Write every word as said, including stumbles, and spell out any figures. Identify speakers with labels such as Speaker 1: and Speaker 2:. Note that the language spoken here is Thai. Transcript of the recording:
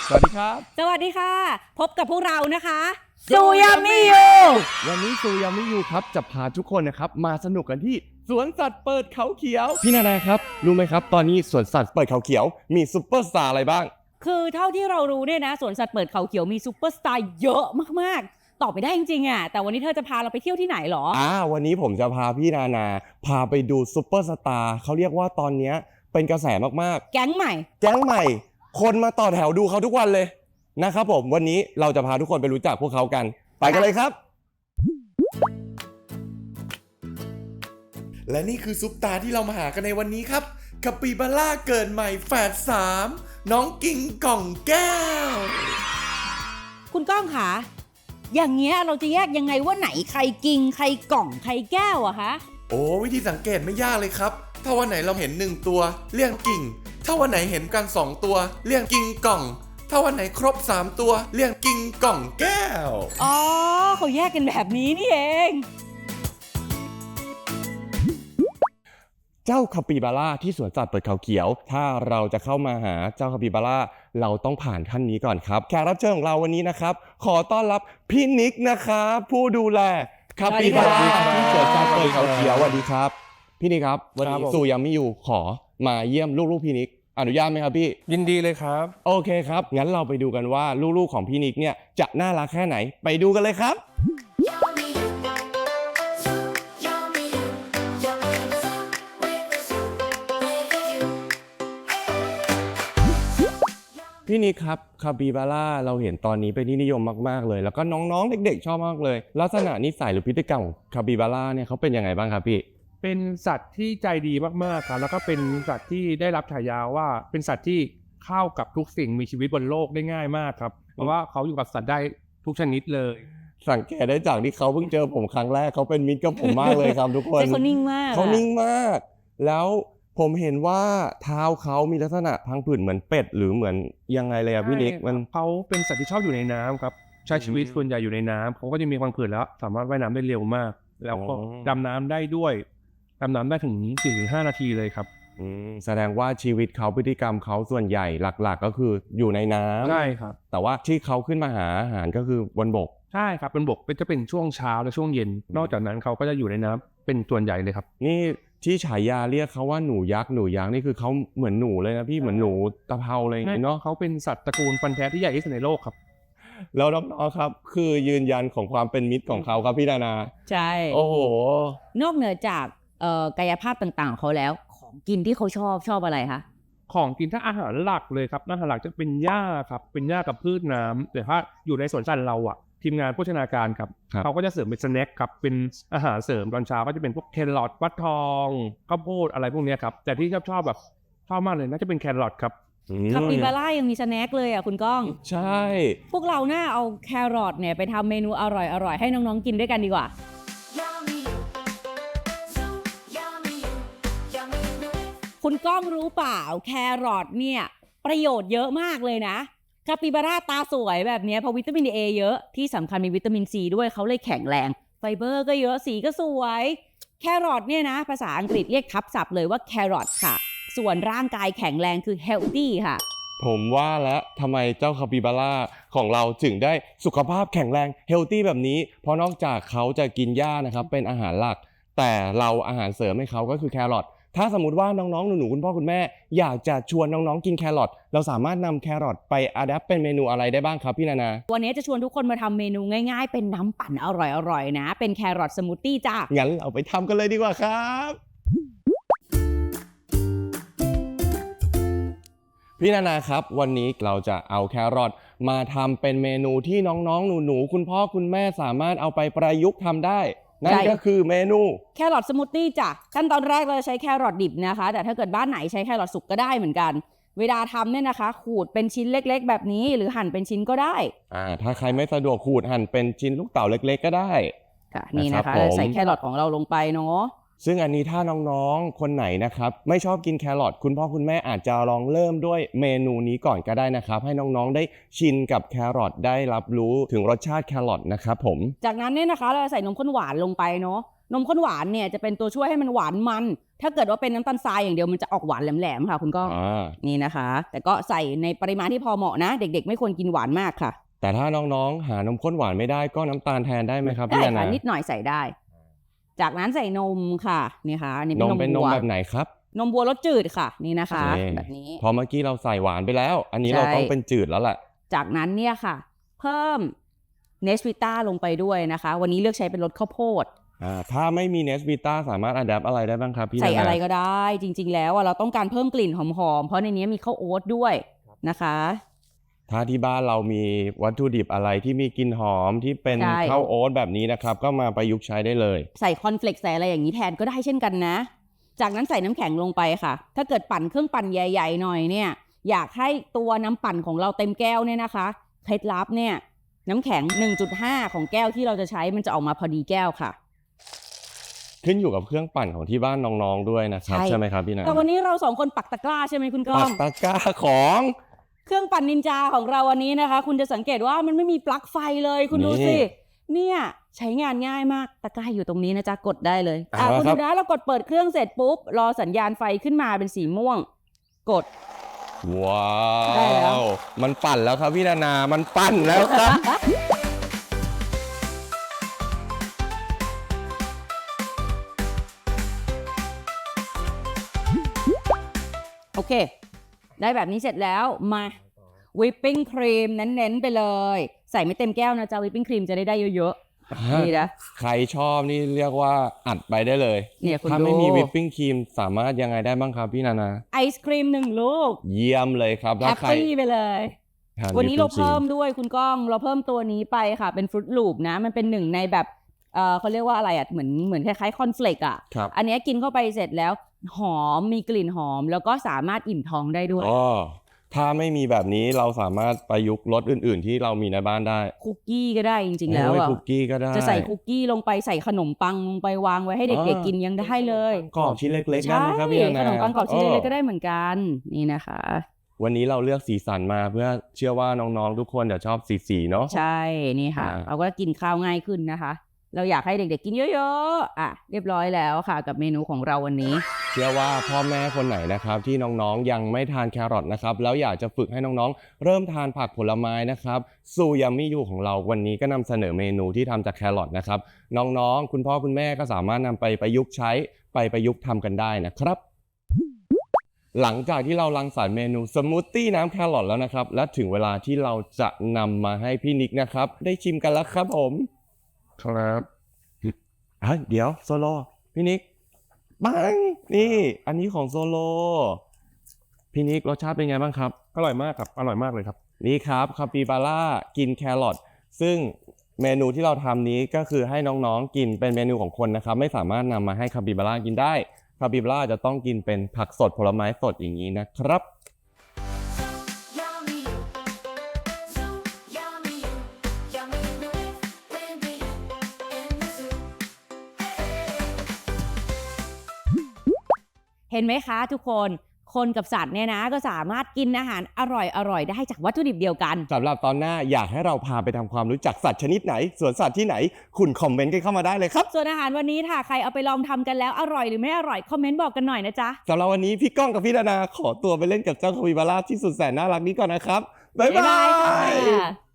Speaker 1: สวัสดีครับ
Speaker 2: สวัสดีค่ะพบกับพวกเรานะคะ
Speaker 1: ซูยามิยูวันนี้ซูยามิยูครับจะพาทุกคนนะครับมาสนุกกันที่สวนสัตว์เปิดเขาเขียวพี่นานาครับรู้ไหมครับตอนนี้สวนสัตว์เปิดเขาเขียวมีซุปเปอร์สตาร์อะไรบ้าง
Speaker 2: คือเท่าที่เรารู้เนี่ยนะสวนสัตว์เปิดเขาเขียวมีซุปเปอร์สตาร์เยอะมากๆตอบไปได้จริงๆอ่ะแต่วันนี้เธอจะพาเราไปเที่ยวที่ไหนหรอ
Speaker 1: อ่าวันนี้ผมจะพาพี่นานาพาไปดูซุปเปอร์สตาร์เขาเรียกว่าตอนนี้เป็นกระแสมาก
Speaker 2: ๆแก๊งใหม่
Speaker 1: แก๊งใหม่คนมาต่อแถวดูเขาทุกวันเลยนะครับผมวันนี้เราจะพาทุกคนไปรู้จักพวกเขากันไปกันเลยครับ
Speaker 3: และนี่คือซุปตาที่เรามาหากันในวันนี้ครับคาปิบาร่าเกิดใหม่แฝดสามน้องกิ่งก่องแก้ว
Speaker 2: คุณก้องคะอย่างเงี้ยเราจะแยกยังไงว่าไหนใครกิ่งใครก่องใครแก้วอะคะ
Speaker 3: โอ้วิธีสังเกตไม่ยากเลยครับถ้าวันไหนเราเห็นหนึ่งตัวเรียกกิ่งถ้าวันไหนเห็นกันสองตัวเรียกกิ่งก่องถ้าวันไหนครบสามตัวเรียกกิ่งก่องแก้ว
Speaker 2: อ๋อเขาแยกกันแบบนี้นี่เอง
Speaker 1: เจ้าคาปิบาร่าที่สวนสัตว์เปิดเขาเขียวถ้าเราจะเข้ามาหาเจ้าคาปิบาร่าเราต้องผ่านท่านนี้ก่อนครับแขกรับเชิญของเราวันนี้นะครับขอต้อนรับพี่นิกนะครับผู้ดูแลคาปิบาร่าที่สวนสัตว์เปิดเขาเขียวสวัสดีครับพี่นิกครับวันนี้สู่ยังไม่อยู่ขอมาเยี่ยมลูกๆพี่นิกอนุญาตไหมครับพี่
Speaker 4: ยินดีเลยครับ
Speaker 1: โอเคครับงั้นเราไปดูกันว่าลูกๆของพี่นิกเนี่ยจะน่ารักแค่ไหนไปดูกันเลยครับพี่นิกครับคาปิบาร่าเราเห็นตอนนี้เป็นที่นิยมมากๆเลยแล้วก็น้องๆเด็กๆชอบมากเลยลักษณะนิสัยหรือพฤติกรรมของคาปิบาร่าเนี่ยเขาเป็นยังไงบ้างครับพี่
Speaker 4: เป็นสัตว์ที่ใจดีมากๆครับแล้วก็เป็นสัตว์ที่ได้รับฉายาว่าเป็นสัตว์ที่เข้ากับทุกสิ่งมีชีวิตบนโลกได้ง่ายมากครับเพราะว่าเขาอยู่กับสัตว์ได้ทุกชนิดเลย
Speaker 1: สังเกตได้จากที่เขาเพิ่งเจอผมครั้งแรกเขาเป็นมิตรกับผมมากเลยครับทุกคน
Speaker 2: เขานิ่งมาก
Speaker 1: เขานิ่งมากแล้วผมเห็นว่าเท้าเขามีลักษณะพังผืดเหมือนเป็ดหรือเหมือนยังไงเลยอะพี่นิกมัน
Speaker 4: เขาเป็นสัตว์ที่ชอบอยู่ในน้ำครับใช้ชีวิตส่วนใหญ่อยู่ในน้ำเขาก็จะมีพังผืดแล้วสามารถว่ายน้ำได้เร็วมากแล้วก็ดำน้ำได้ด้วยดำน้ำได้ถึง สี่ถึงห้า นาทีเลยครับ
Speaker 1: แสดงว่าชีวิตเขาพฤติกรรมเขาส่วนใหญ่หลักๆก็คืออยู่ในน้ำ
Speaker 4: ใช่ครับ
Speaker 1: แต่ว่าที่เขาขึ้นมาหาอาหารก็คือบนบก
Speaker 4: ใช่ครับบนบกจะเป็นช่วงเช้าและช่วงเย็นนอกจากนั้นเขาก็จะอยู่ในน้ำเป็นส่วนใหญ่เลยครับ
Speaker 1: นี่ที่ฉายาเรียกเขาว่าหนูยักษ์หนูยักษ์นี่คือเขาเหมือนหนูเลยนะพี่เหมือนหนูตะเภาเลยเนาะ
Speaker 4: เขาเป็นสัตว์ตระกูลฟันแท้ที่ใหญ่ที่สุดในโลกครับ
Speaker 1: แล้วน้องๆครับคือยืนยันของความเป็นมิตรของเขาครับพี่นานา
Speaker 2: ใช่
Speaker 1: โอ้โห
Speaker 2: นอกเหนือจากเอ่อกายภาพต่างๆของเขาแล้วของกินที่เขาชอบชอบอะไรคะ
Speaker 4: ของกินถ้าอาหารหลักเลยครับอาหารหลักจะเป็นหญ้าครับเป็นหญ้ากับพืชน้ำแต่ถ้าอยู่ในสวนสัตว์เราอะทีมงานโภชนาการครับเขาก็จะเสริมเป็นสแน็คครับเป็นอาหารเสริมตอนเช้าก็จะเป็นพวกแครอทฟักทองข้าวโพดอะไรพวกนี้ครับแต่ที่ชอบชอบแบบชอบมากเลยน่าจะเป็นแครอทครับ
Speaker 2: คาปิบาร่ายังมีสแน็คเลยอ่ะคุณก้อง
Speaker 1: ใช่
Speaker 2: พวกเราหน้าเอาแครอทเนี่ยไปทำเมนูอร่อยๆให้น้องๆกินด้วยกันดีกว่าคุณก้องรู้เปล่าแครอทเนี่ยประโยชน์เยอะมากเลยนะคาปิบาร่าตาสวยแบบนี้เพราะวิตามินเอเยอะที่สำคัญมีวิตามินซีด้วยเขาเลยแข็งแรงไฟเบอร์ก็เยอะสีก็สวยแครอทเนี่ยนะภาษาอังกฤษเรียกทับศัพท์เลยว่าแครอทค่ะส่วนร่างกายแข็งแรงคือ healthy ค่ะ
Speaker 1: ผมว่าแล้วทำไมเจ้าคาปิบาร่าของเราถึงได้สุขภาพแข็งแรง healthy แบบนี้เพราะนอกจากเขาจะกินหญ้านะครับเป็นอาหารหลักแต่เราอาหารเสริมให้เขาก็คือแครอทถ้าสมมติว่าน้องๆหนูๆคุณพ่อคุณแม่อยากจะชวนน้องๆกินแครอทเราสามารถนำแครอทไปอะแดปเป็นเมนูอะไรได้บ้างครับพี่นานา
Speaker 2: วันนี้จะชวนทุกคนมาทำเมนูง่ายๆเป็นน้ำปั่นอร่อยๆนะเป็นแครอทสมูทตี้จ้า
Speaker 1: งั้นเราไปทำกันเลยดีกว่าครับพี่นานาครับวันนี้เราจะเอาแครอทมาทำเป็นเมนูที่น้องๆหนูๆคุณพ่อคุณแม่สามารถเอาไปประยุกต์ทำได้นั่นก็คือเมนู
Speaker 2: แครอทสมูทตี้จ้ะขั้นตอนแรกเราจะใช้แครอทดิบนะคะแต่ถ้าเกิดบ้านไหนใช้แครอทสุกก็ได้เหมือนกันเวลาทำเนี่ยนะคะขูดเป็นชิ้นเล็กๆแบบนี้หรือหั่นเป็นชิ้นก็ได้
Speaker 1: อ่าถ้าใครไม่สะดวกขูดหั่นเป็นชิ้นลูกเต๋าเล็กๆก็ได้
Speaker 2: ค่ะนี่นะคะใส่แครอทของเราลงไปเนาะ
Speaker 1: ซึ่งอันนี้ถ้าน้องๆคนไหนนะครับไม่ชอบกินแครอทคุณพ่อคุณแม่อาจจะลองเริ่มด้วยเมนูนี้ก่อนก็ได้นะครับให้น้องๆได้ชินกับแครอทได้รับรู้ถึงรสชาติแครอทนะครับผม
Speaker 2: จากนั้นเนี่ยนะคะเราใส่นมข้นหวานลงไปเนาะนมข้นหวานเนี่ยจะเป็นตัวช่วยให้มันหวานมัน ถ้าเกิดว่าเป็นน้ำตาลทรายอย่างเดียวมันจะออกหวานแหลมๆค่ะคุณก้อง
Speaker 1: อ่า
Speaker 2: นี่นะคะ แต่ก็ใส่ในปริมาณที่พอเหมาะนะ เด็กๆ ไม่ควรกินหวานมากค่ะ
Speaker 1: แต่ถ้าน้องๆ หานมข้นหวานไม่ได้ก็น้ำตาลแทนได้ไหมครับ
Speaker 2: ได้
Speaker 1: พี่นา
Speaker 2: ค่ะ
Speaker 1: นา
Speaker 2: นิดหน่อยใส่ได้ จากนั้นใส่นมค่ะนี่ค่ะอันนี่
Speaker 1: นมเป็นนม
Speaker 2: วัว
Speaker 1: แบบไหนครับ
Speaker 2: นมวัวรสจืดค่ะนี่นะคะ
Speaker 1: โอเค
Speaker 2: แบบนี้
Speaker 1: พอเมื่อกี้เราใส่หวานไปแล้ว อันนี้
Speaker 2: ใช่
Speaker 1: เราต้องเป็นจืดแล้วแหละ
Speaker 2: จากนั้นเนี่ยค่ะ เพิ่มเนสวิต้าลงไปด้วยนะคะ วันนี้เลือกใช้เป็นรสข้าวโพด
Speaker 1: อ่าถ้าไม่มีเนสวิต้าสามารถอัดแอปอะไรได้บ้างครับพี่นานา
Speaker 2: ใส่อะไรก็ได้จริงๆแล้วอะเราต้องการเพิ่มกลิ่นหอมๆเพราะในนี้มีข้าวโอ๊ตด้วยนะคะ
Speaker 1: ถ้าที่บ้านเรามีวัตถุดิบอะไรที่มีกลิ่นหอมที่เป็น
Speaker 2: ใช่
Speaker 1: ข้าวโอ๊ตแบบนี้นะครับ ก็มาประยุกต์ใช้ได้เลย
Speaker 2: ใส่คอนเฟลกซ์ใส่อะไรอย่างนี้แทนก็ได้เช่นกันนะ จากนั้นใส่น้ำแข็งลงไปค่ะ ถ้าเกิดปั่นเครื่องปั่นใหญ่ๆหน่อยเนี่ยอยากให้ตัวน้ำปั่นของเราเต็มแก้วเนี่ยนะคะเคล็ดลับเนี่ยน้ำแข็ง หนึ่งจุดห้า ของแก้วที่เราจะใช้มันจะออกมาพอดีแก้วค่ะ
Speaker 1: ขึ้นอยู่กับเครื่องปั่นของที่บ้านน้องๆด้วยนะครับ
Speaker 2: ใช่
Speaker 1: ใช่ไหมครับพี่นา
Speaker 2: แต่วันนี้เราสองคนปักตะกร้าใช่ไหมคุณก้
Speaker 1: ปั
Speaker 2: อก ง
Speaker 1: ตะกร้าของ
Speaker 2: เครื่องปั่นนินจาของเราวันนี้นะคะ คุณจะสังเกตว่ามันไม่มีปลั๊กไฟเลยคุณดูสิเนี่ยใช้งานง่ายมากตะกร้าอยู่ตรงนี้นะจ๊ะกดได้เลยอ่ะคุณดูนะเรากดเปิดเครื่องเสร็จปุ๊บรอสัญญาณไฟขึ้นมาเป็นสีม่วง กด
Speaker 1: ว้า
Speaker 2: ได้แล้ว
Speaker 1: ว มันปั่นแล้วครับพี่นานา มันปั่นแล้วครับ
Speaker 2: โอเค ได้แบบนี้เสร็จแล้วมาวิปปิ้งครีมเน้นๆไปเลย ใส่ไม่เต็มแก้วนะจ๊ะวิปปิ้งครีมจะได้ได้เยอะๆนี่นะ
Speaker 1: ใครชอบนี่เรียกว่าอัดไปได้เลย
Speaker 2: เนี่ยคุณ
Speaker 1: ถ้า
Speaker 2: ดู
Speaker 1: ไม่มีวิปปิ้งครีมสามารถยังไงได้บ้างครับพี่นานา
Speaker 2: ไอศครีมหนึ่งลูก
Speaker 1: เยี่ยมเลยครับ
Speaker 2: แฮ
Speaker 1: ถ้า
Speaker 2: ป
Speaker 1: ใคร
Speaker 2: ปี้ไปเลย
Speaker 1: ทาน
Speaker 2: วันนี้เรา
Speaker 1: whipping cream
Speaker 2: เพิ่มด้วยคุณก้องเราเพิ่มตัวนี้ไปค่ะเป็นฟรุตลูปนะมันเป็นหนึ่งในแบบเออเขาเรียกว่าอะไรอ่ะเหมือนเหมือนคล้ายๆคอนเฟลกอ่ะ
Speaker 1: ครับ
Speaker 2: อันเนี้ยกินเข้าไปเสร็จแล้วหอมมีกลิ่นหอม แล้วก็สามารถอิ่มท้องได้ด้วย
Speaker 1: อ๋อถ้าไม่มีแบบนี้เราสามารถประยุกต์รสอื่น ๆ ที่เรามีในบ้านได้
Speaker 2: คุกกี้ก็ได้จริงๆแล้ว
Speaker 1: โอ้ย
Speaker 2: อ่ะ
Speaker 1: คุกกี้ก็ได้
Speaker 2: จะใส่คุกกี้ลงไปใส่ขนมปังลงไปวางไว้ให้เด็กๆกินยังได้เลย
Speaker 1: กรอบชิ้นเล็กๆได้
Speaker 2: ใช่
Speaker 1: ไหมครับพี่นานา
Speaker 2: ขนมปังกรอบชิ้นเล็กๆก็ได้เหมือนกันนี่นะคะ
Speaker 1: วันนี้เราเลือกสีสันมาเพื่อเชื่อว่าน้องๆทุกคนจะชอบสีสีๆเนาะ
Speaker 2: ใช่นี่ค่ะ
Speaker 1: อ่า
Speaker 2: เราก็กินข้าวง่ายขึ้นนะคะ เราอยากให้เด็กๆกินเยอะๆอ่ะเรียบร้อยแล้วค่ะ กับเมนูของเราวันนี้
Speaker 1: เชื่อว่าพ่อแม่คนไหนนะครับที่น้องๆยังไม่ทานแครอทนะครับแล้วอยากจะฝึกให้น้องๆ เริ่มทานผักผลไม้นะครับซูยามิยูของเราวันนี้ก็นำเสนอเมนูที่ทำจากแครอทนะครับน้องๆ คุณพ่อคุณแม่ก็สามารถนำไปประยุกต์ใช้ไปประยุกต์ทำกันได้นะครับ หลังจากที่เรารังสรรค์เมนูสมูทตี้น้ำแครอทแล้วนะครับและถึงเวลาที่เราจะนำมาให้พี่นิกนะครับได้ชิมกันแล้วครับผมครับเฮ้ยเดี๋ยวโซโลพี่นิกปังนี่อันนี้ของโซโลพี่นิกรสชาติเป็นไงบ้างครับ
Speaker 4: อร่อยมากครับอร่อยมากเลยครับ
Speaker 1: นี่ครับคาปิบาร่ากินแครอทซึ่งเมนูที่เราทำนี้ก็คือให้น้องๆกินเป็นเมนูของคนนะครับไม่สามารถนำมาให้คาปิบาร่ากินได้คาปิบาร่าจะต้องกินเป็นผักสดผลไม้สดอย่างนี้นะครับ
Speaker 5: Yummy you, so yummy you, yummy with Lindy in the zoo.
Speaker 2: เห็นไหมคะทุกคนคนกับสัตว์เนี่ยนะก็สามารถกินอาหารอร่อยๆได้จากวัตถุดิบเดียวกัน
Speaker 1: สำหรับตอนหน้าอยากให้เราพาไปทำความรู้จักสัตว์ชนิดไหนสวนสัตว์ที่ไหนคุณคอมเมนต์กันเข้ามาได้เลยครับ
Speaker 2: ส่วนอาหารวันนี้ค่ะใครเอาไปลองทำกันแล้วอร่อยหรือไม่อร่อยคอมเมนต์บอกกันหน่อยนะจ๊ะ
Speaker 1: สำหรับวันนี้พี่ก้องกับพี่นานาขอตัวไปเล่นกับเจ้าคาปิบาร่าที่สุดแสนน่ารักนี้ก่อนนะครับบ๊ายบาย
Speaker 2: ค่ะ